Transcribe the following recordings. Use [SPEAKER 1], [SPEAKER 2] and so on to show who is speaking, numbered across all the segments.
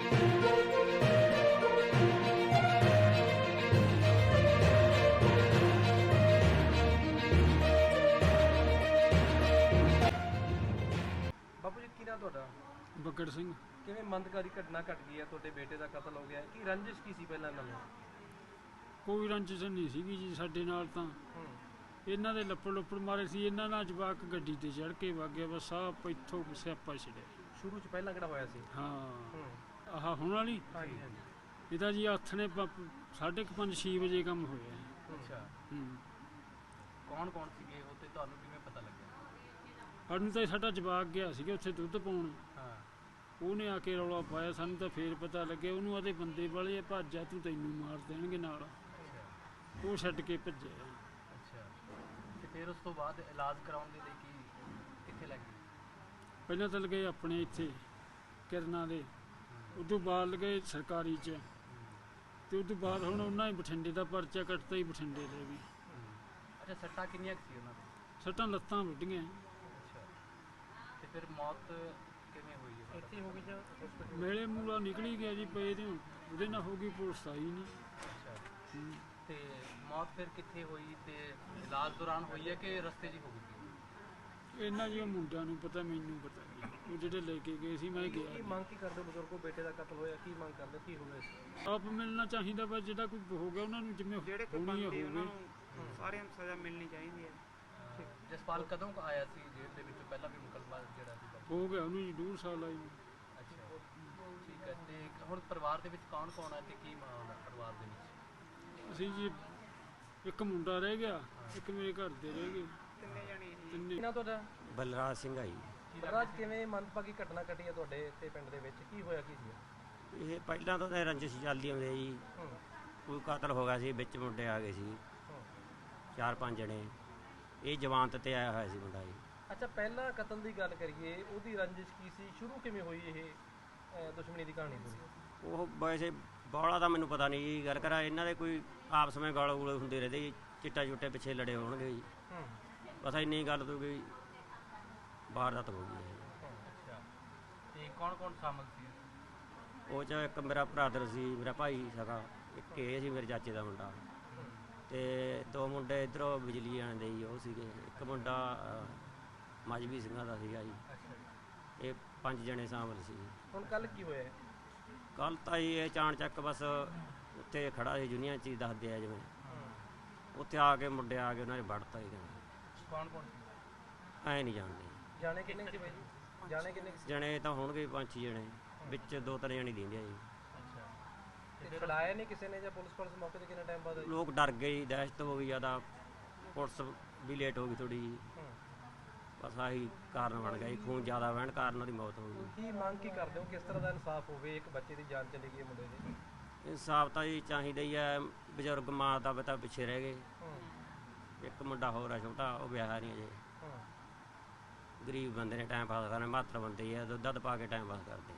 [SPEAKER 1] ਬਾਪੂ ਜੀ, ਕੀ ਨਾਮ ਤੁਹਾਡਾ?
[SPEAKER 2] ਬੱਗੜ ਸਿੰਘ।
[SPEAKER 1] ਕਿਵੇਂ ਮੰਦਕਾਰੀ ਘਟਨਾ ਘਟ ਗਈ ਹੈ, ਤੁਹਾਡੇ ਬੇਟੇ ਦਾ ਕਤਲ ਹੋ ਗਿਆ, ਕੀ ਰੰਜਿਸ਼ ਕੀ ਸੀ ਪਹਿਲਾਂ ਇਹਨਾਂ ਨੂੰ?
[SPEAKER 2] ਕੋਈ ਰੰਜਿਸ਼ ਨਹੀਂ ਸੀਗੀ ਜੀ ਸਾਡੇ ਨਾਲ, ਤਾਂ ਇਹਨਾਂ ਦੇ ਲੱਪੜ ਮਾਰੇ ਸੀ, ਇਹਨਾਂ ਨਾਲ ਜਵਾਕ ਗੱਡੀ ਤੇ ਚੜ੍ਹ ਕੇ ਵਗ ਗਿਆ, ਬਸ ਆਹ ਇੱਥੋਂ ਸਿਆਪਾ ਛਿੜਿਆ।
[SPEAKER 1] ਸ਼ੁਰੂ ਚ ਪਹਿਲਾਂ ਕਿਹੜਾ ਹੋਇਆ ਸੀ?
[SPEAKER 2] ਹਾਂ ਆਹ ਹੁਣ ਵਾਲੀ
[SPEAKER 1] ਹਾਂਜੀ ਹਾਂਜੀ।
[SPEAKER 2] ਇਹਦਾ ਜੀ ਹੱਥ ਨੇ 5:30-6 ਵਜੇ ਕੰਮ ਹੋਇਆ।
[SPEAKER 1] ਅੱਛਾ,
[SPEAKER 3] ਕੌਣ ਕੌਣ ਸੀਗੇ ਉਹ ਤੇ ਤੁਹਾਨੂੰ ਕਿਵੇਂ ਪਤਾ ਲੱਗਿਆ?
[SPEAKER 2] ਸਾਨੂੰ ਤਾਂ ਸਾਡਾ ਜਵਾਕ ਗਿਆ ਸੀਗਾ ਉੱਥੇ ਦੁੱਧ ਪਾਉਣ,
[SPEAKER 3] ਹਾਂ,
[SPEAKER 2] ਉਹਨੇ ਆ ਕੇ ਰੌਲਾ ਪਾਇਆ, ਸਾਨੂੰ ਤਾਂ ਫੇਰ ਪਤਾ ਲੱਗਿਆ। ਉਹਨੂੰ ਆਦੇ ਬੰਦੇ ਵਾਲੇ ਭੱਜ ਆ, ਤੂੰ ਤੈਨੂੰ ਮਾਰ ਦੇਣਗੇ ਨਾਲ, ਉਹ ਛੱਡ ਕੇ ਭੱਜਿਆ।
[SPEAKER 3] ਅੱਛਾ, ਤੇ ਫਿਰ ਉਸ ਤੋਂ ਬਾਅਦ ਇਲਾਜ ਕਰਾਉਣ ਦੇ ਲਈ ਕਿੱਥੇ ਲੱਗੇ?
[SPEAKER 2] ਪਹਿਲਾਂ ਤਾਂ ਲਗੇ ਆਪਣੇ ਇੱਥੇ ਕਿਰਨਾਂ ਦੇ, ਉਦੋਂ ਬਾਅਦ ਲਗੇ ਸਰਕਾਰੀ 'ਚ, ਤੇ ਉਦੋਂ ਬਾਅਦ ਹੁਣ ਉਹਨਾਂ ਨੇ ਬਠਿੰਡੇ ਦਾ ਪਰਚਾ ਕੱਟਤਾ ਹੀ, ਬਠਿੰਡੇ ਦੇ ਵੀ।
[SPEAKER 3] ਅੱਛਾ, ਸੱਟਾਂ ਕਿੰਨੀਆਂ ਕੁ ਸੀ ਉਹਨਾਂ ਦੇ?
[SPEAKER 2] ਸੱਟਾਂ ਲੱਤਾਂ ਵੱਢੀਆਂ।
[SPEAKER 3] ਅੱਛਾ, ਤੇ ਫਿਰ ਮੌਤ ਕਿਵੇਂ ਹੋਈ ਹੈ?
[SPEAKER 1] ਇੱਥੇ ਹੋ ਗਈ ਜਾਂ hospital?
[SPEAKER 2] ਮੇਲੇ ਮੂਲਾ ਨਿਕਲੀ ਗਿਆ ਜੀ ਪਏ ਦੇ, ਉਹਦੇ ਨਾਲ ਹੋ ਗਈ, ਪੁਲਿਸ ਆਈ ਨਹੀਂ।
[SPEAKER 3] ਅੱਛਾ, ਤੇ ਮੌਤ ਫਿਰ ਕਿੱਥੇ ਹੋਈ ਤੇ ਇਲਾਜ ਦੌਰਾਨ ਹੋਈ ਹੈ ਕਿ ਰਸਤੇ 'ਚ ਹੀ ਹੋ ਗਈ?
[SPEAKER 2] ਇਹਨਾਂ ਜੀ ਮੁੰਡਿਆਂ ਨੂੰ ਪਤਾ, ਮੈਨੂੰ ਪਤਾ ਨਹੀਂ, ਉਹ ਜਿਹੜੇ ਲੈ ਕੇ ਗਏ ਸੀ, ਮੈਂ
[SPEAKER 1] ਕੀ
[SPEAKER 2] ਗਿਆ।
[SPEAKER 1] ਮੰਗ ਕੀ ਕਰਦੇ ਹੋ ਬਜ਼ੁਰਗੋ? ਬੇਟੇ ਦਾ ਕਤਲ ਹੋਇਆ, ਕੀ ਮੰਗ ਕਰਦੇ, ਕੀ ਹੋਇਆ ਸੀ?
[SPEAKER 2] ਆਪ ਮਿਲਣਾ ਚਾਹੀਦਾ, ਬਸ ਜਿਹੜਾ ਕੋਈ ਹੋ ਗਿਆ ਉਹਨਾਂ ਨੂੰ ਜਿਵੇਂ ਹੋਣੀ ਹੋਵੇ।
[SPEAKER 4] ਸਾਰਿਆਂ ਨੂੰ ਸਜ਼ਾ ਮਿਲਣੀ ਚਾਹੀਦੀ ਹੈ।
[SPEAKER 3] ਜਸਪਾਲ ਕਦੋਂ ਕੁ ਆਇਆ ਸੀ ਜੇਲ੍ਹ ਦੇ ਵਿੱਚ? ਪਹਿਲਾਂ ਵੀ ਮੁਕੱਦਮਾ ਜਿਹੜਾ ਸੀ
[SPEAKER 2] ਹੋ ਗਿਆ ਉਹਨੂੰ ਜੀ 2 ਸਾਲ ਆਈ।
[SPEAKER 3] ਅੱਛਾ, ਠੀਕ ਹੈ। ਤੇ ਹੁਣ ਪਰਿਵਾਰ ਦੇ ਵਿੱਚ ਕੌਣ ਕੌਣ ਹੈ ਤੇ ਕੀ ਮਾਹੌਲ ਹੈ ਪਰਿਵਾਰ ਦੇ ਵਿੱਚ?
[SPEAKER 2] ਅਸੀਂ ਜੀ ਇੱਕ ਮੁੰਡਾ ਰਹਿ ਗਿਆ, ਇੱਕ ਮੇਰੇ ਘਰ ਦੇ ਰਹਿ ਗਏ, ਤਿੰਨੇ।
[SPEAKER 1] ਕੀ ਨਾਮ ਤੁਹਾਡਾ?
[SPEAKER 5] ਬਲਰਾਜ ਸਿੰਘ ਆਈ।
[SPEAKER 1] ਬਲਰਾਜ, ਕਿਵੇਂ ਮੰਦਭਾਗੀ ਘਟਨਾ ਘਟੀ ਹੈ ਤੁਹਾਡੇ ਇੱਥੇ ਪਿੰਡ ਦੇ ਵਿੱਚ, ਕੀ ਹੋਇਆ ਕੀ ਸੀ?
[SPEAKER 5] ਇਹ ਪਹਿਲਾਂ ਤਾਂ ਰੰਜਿਸ਼ ਚੱਲਦੀ ਹੁੰਦੀ ਜੀ, ਕੋਈ ਕਤਲ ਹੋ ਗਿਆ ਸੀ, ਵਿੱਚ ਮੁੰਡੇ ਆ ਗਏ ਸੀ 4-5 ਜਣੇ, ਇਹ ਜਵਾਨਤ ਤੇ ਆਇਆ ਹੋਇਆ ਸੀ ਮੁੰਡਾ ਜੀ।
[SPEAKER 1] ਅੱਛਾ, ਪਹਿਲਾਂ ਕਤਲ ਦੀ ਗੱਲ ਕਰੀਏ, ਉਹਦੀ ਰੰਜਿਸ਼ ਕੀ ਸੀ, ਸ਼ੁਰੂ ਕਿਵੇਂ ਹੋਈ ਇਹ ਦੁਸ਼ਮਣੀ ਦੀ ਕਹਾਣੀ ਪੂਰੀ?
[SPEAKER 5] ਉਹ ਵੈਸੇ ਬੌਲਾ ਤਾਂ ਮੈਨੂੰ ਪਤਾ ਨਹੀਂ ਜੀ, ਗੱਲ ਕਰਾਂ ਇਹਨਾਂ ਦੇ ਕੋਈ ਆਪਸ ਵਿੱਚ ਗਾਲ ਗੂਲੇ ਹੁੰਦੇ ਰਹਿੰਦੇ ਜੀ, ਚਿੱਟਾ ਚੁੱਟੇ ਪਿੱਛੇ ਲੜੇ ਹੋਣਗੇ ਜੀ, ਬਸ ਇੰਨੀ ਗੱਲ ਤੋਂ ਗਈ ਵਾਰਦਾਤ ਹੋ ਗਈ ਹੈ।
[SPEAKER 3] ਅੱਛਾ, ਤੇ ਕੌਣ ਕੌਣ ਸ਼ਾਮਲ ਸੀ?
[SPEAKER 5] ਉਹ 'ਚ ਇੱਕ ਮੇਰਾ ਭਰਾਦਰ ਸੀ, ਮੇਰਾ ਭਾਈ ਸਗਾ, ਇੱਕ ਇਹ ਸੀ ਮੇਰੇ ਚਾਚੇ ਦਾ ਮੁੰਡਾ, ਤੇ 2 ਮੁੰਡੇ ਇੱਧਰੋਂ ਬਿਜਲੀ ਆਣ ਦੇ ਜੀ ਉਹ ਸੀਗੇ, ਇੱਕ ਮੁੰਡਾ ਮਜਬੀ ਸਿੰਘਾਂ ਦਾ ਸੀਗਾ ਜੀ। ਇਹ 5 ਜਣੇ ਸ਼ਾਮਲ ਸੀ।
[SPEAKER 1] ਹੁਣ ਕੱਲ ਕੀ ਹੋਇਆ?
[SPEAKER 5] ਕੱਲ ਤਾਂ ਜੀ ਇਹ ਚਾਣ ਚੱਕ ਬਸ ਉੱਥੇ ਖੜਾ ਸੀ, ਜੁਨੀਆਂ 'ਚ ਹੀ ਦੱਸਦੇ ਆ ਜਿਵੇਂ, ਉੱਥੇ ਆ ਕੇ ਮੁੰਡੇ ਆ ਕੇ ਉਹਨਾਂ ਨੇ ਵੜਤਾ ਹੀ।
[SPEAKER 3] ਕੌਣ ਕੌਣ ਸੀ?
[SPEAKER 5] ਐਂ ਨਹੀਂ ਜਾਣਦੇ
[SPEAKER 1] ਜਾਣੇ ਕਿੰਨੇ ਸੀ ਬਾਈ ਜੀ? ਜਾਣੇ ਕਿੰਨੇ ਸੀ?
[SPEAKER 5] ਜਣੇ ਤਾਂ ਹੋਣਗੇ 5-6 ਜਣੇ, ਵਿੱਚ 2-3 ਜਣੇ ਦਿੰਦੇ ਆ ਜੀ।
[SPEAKER 1] ਤੇ ਛਡਾਇਆ ਨਹੀਂ ਕਿਸੇ ਨੇ ਜਾਂ ਪੁਲਿਸ ਮੌਕੇ ਤੇ ਕਿੰਨਾ ਟਾਈਮ ਬਾਅਦ ਆਈ?
[SPEAKER 5] ਲੋਕ ਡਰ ਗਏ ਜੀ, ਦਹਿਸ਼ਤ ਹੋ ਗਈ ਜ਼ਿਆਦਾ, ਪੁਲਿਸ ਵੀ ਲੇਟ ਹੋ ਗਈ ਥੋੜ੍ਹੀ ਜੀ, ਬਸ ਆਹੀ ਕਾਰਨ ਬਣ ਗਿਆ ਜੀ, ਖੂਨ ਜ਼ਿਆਦਾ ਵਹਿਣ ਕਾਰਨ ਉਹਦੀ ਮੌਤ ਹੋ ਗਈ।
[SPEAKER 1] ਕੀ ਮੰਗ ਕੀ ਕਰਦੇ ਹੋ, ਕਿਸ ਤਰ੍ਹਾਂ ਦਾ ਇਨਸਾਫ ਹੋਵੇ? ਇੱਕ ਬੱਚੇ ਦੀ ਜਾਨ ਚਲੀ ਗਈ ਮੁੰਡੇ ਦੀ।
[SPEAKER 5] ਇਨਸਾਫ ਤਾਂ ਜੀ ਚਾਹੀਦਾ ਹੀ ਹੈ, ਬਜ਼ੁਰਗ ਮਾਂ ਦਾ ਪਿਤਾ ਪਿੱਛੇ ਰਹਿ ਗਏ, ਇੱਕ ਮੁੰਡਾ ਹੋਰ ਆ ਛੋਟਾ, ਉਹ ਵਿਆਹ ਨਹੀਂ ਅਜੇ, ਗਰੀਬ ਬੰਦੇ ਨੇ ਟਾਈਮ ਪਾਸ ਕਰਨਾ, ਮਾਤਰ ਬੰਦੇ ਆ, ਦੁੱਧ ਪਾ ਕੇ ਟਾਈਮ ਪਾਸ ਕਰਦੇ।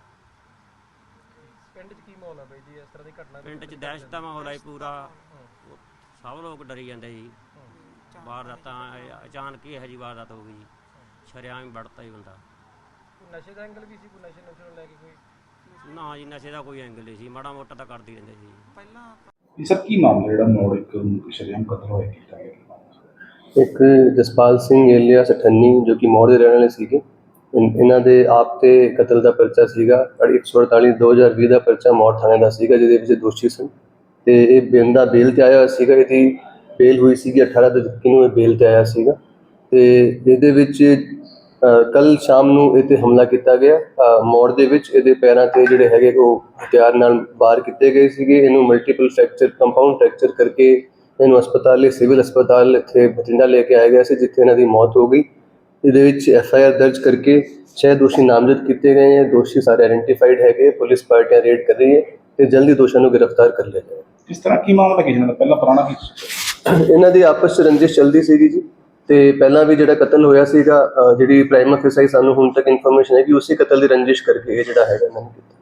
[SPEAKER 1] ਪਿੰਡ 'ਚ ਕੀ ਮਾਹੌਲ ਹੈ ਬਾਈ ਜੀ ਇਸ ਤਰ੍ਹਾਂ ਦੀ ਘਟਨਾ?
[SPEAKER 5] ਪਿੰਡ 'ਚ ਦਹਿਸ਼ਤ ਦਾ ਮਾਹੌਲ ਹੈ ਪੂਰਾ, ਸਭ ਲੋਕ ਡਰੀ ਜਾਂਦੇ ਜੀ, ਵਾਰਦਾਤਾਂ ਅਚਾਨਕ ਹੀ ਇਹੋ ਜਿਹੀ ਵਾਰਦਾਤ ਹੋ ਗਈ, ਸ਼ਰੇਆਮ ਹੀ ਵੜਤਾ ਹੀ ਬੰਦਾ।
[SPEAKER 1] ਨਸ਼ੇ ਦਾ ਐਂਗਲ ਵੀ ਸੀ, ਕੋਈ ਨਸ਼ੇ ਨੂੰ ਲੈ ਕੇ ਕੋਈ?
[SPEAKER 5] ਨਾ ਜੀ, ਨਸ਼ੇ ਦਾ ਕੋਈ ਐਂਗਲ ਨਹੀਂ ਸੀ, ਮਾੜਾ ਮੋਟਾ ਤਾਂ ਕਰਦੇ ਰਹਿੰਦੇ ਸੀ
[SPEAKER 4] ਪਹਿਲਾਂ।
[SPEAKER 6] ਸਰ, ਕੀ ਮਾਮਲਾ ਜਿਹੜਾ ਮੋੜ ਇੱਕ ਸ਼ਰੇਆਮ ਕਤਲ ਹੋਇਆ ਕੀਤਾ ਗਿਆ?
[SPEAKER 7] ਇੱਕ ਜਸਪਾਲ ਸਿੰਘ ਏਲੀਆਸ 98 ਜੋ ਕਿ ਮੌੜ ਦੇ ਰਹਿਣ ਵਾਲੇ ਸੀਗੇ, ਇਹਨਾਂ ਦੇ ਆਪ ਤੇ ਕਤਲ ਦਾ ਪਰਚਾ ਸੀਗਾ 148/2020 ਦਾ ਪਰਚਾ ਮੌੜ ਥਾਣੇ ਦਾ ਸੀਗਾ, ਜਿਹਦੇ ਵਿੱਚ ਦੋਸ਼ੀ ਸਨ, ਤੇ ਇਹ ਬੰਦਾ ਬੇਲ ਤੇ ਆਇਆ ਹੋਇਆ ਸੀਗਾ। ਇਹਦੀ ਬੇਲ ਹੋਈ ਸੀਗੀ 18 ਤਰੀਕ ਨੂੰ, ਇਹ ਬੇਲ ਤੇ ਆਇਆ ਸੀਗਾ, ਤੇ ਇਹਦੇ ਵਿੱਚ ਕੱਲ ਸ਼ਾਮ ਨੂੰ ਇਹ 'ਤੇ ਹਮਲਾ ਕੀਤਾ ਗਿਆ ਮੌੜ ਦੇ ਵਿੱਚ। ਇਹਦੇ ਪੈਰਾਂ ਤੇ ਜਿਹੜੇ ਹੈਗੇ ਉਹ ਹਥਿਆਰ ਨਾਲ ਵਾਰ ਕੀਤੇ ਗਏ ਸੀਗੇ। ਇਹਨੂੰ ਮਲਟੀਪਲ ਫ੍ਰੈਕਚਰ, ਕੰਪਾਊਂਡ ਫ੍ਰੈਕਚਰ ਕਰਕੇ ਇਹਨੂੰ ਹਸਪਤਾਲ, ਸਿਵਲ ਹਸਪਤਾਲ ਇੱਥੇ ਬਠਿੰਡਾ ਲੈ ਕੇ ਆਇਆ ਗਿਆ ਸੀ, ਜਿੱਥੇ ਇਹਨਾਂ ਦੀ ਮੌਤ ਹੋ ਗਈ। ਇਹਦੇ ਵਿੱਚ FIR ਦਰਜ ਕਰਕੇ 6 ਦੋਸ਼ੀ ਨਾਮਜ਼ਦ ਕੀਤੇ ਗਏ हैं। ਦੋਸ਼ੀ ਸਾਰੇ ਆਇਡੈਂਟੀਫਾਈਡ ਹੈਗੇ, ਪੁਲਿਸ ਪਾਰਟੀਆਂ ਰੇਡ ਕਰ ਰਹੀ ਹੈ ਤੇ ਜਲਦੀ ਦੋਸ਼ੀਆਂ ਨੂੰ ਗ੍ਰਿਫਤਾਰ ਕਰ ਲਿਆ ਜਾਏਗਾ।
[SPEAKER 6] ਕਿਸ ਤਰ੍ਹਾਂ ਕੀ ਮਾਮਲਾ ਕਿਸੇ ਨਾਲ ਪਹਿਲਾਂ ਪੁਰਾਣਾ ਕੀ
[SPEAKER 7] ਇਹਨਾਂ ਦੀ ਆਪਸ 'ਚ ਰੰਜਿਸ਼ ਚੱਲਦੀ ਸੀਗੀ ਜੀ, ਤੇ ਪਹਿਲਾਂ ਵੀ ਜਿਹੜਾ ਕਤਲ ਹੋਇਆ ਸੀਗਾ, ਜਿਹੜੀ ਪ੍ਰਾਈਮ ਅਫੀਸਰ ਸਾਨੂੰ ਹੁਣ ਤੱਕ ਇਨਫੋਰਮੇਸ਼ਨ ਹੈ ਕਿ ਉਸੇ ਕਤਲ ਦੀ ਰੰਜਿਸ਼ ਕਰਕੇ ਇਹ ਜਿਹੜਾ ਹੈਗਾ ਇਹਨਾਂ ਨੇ ਕੀਤਾ।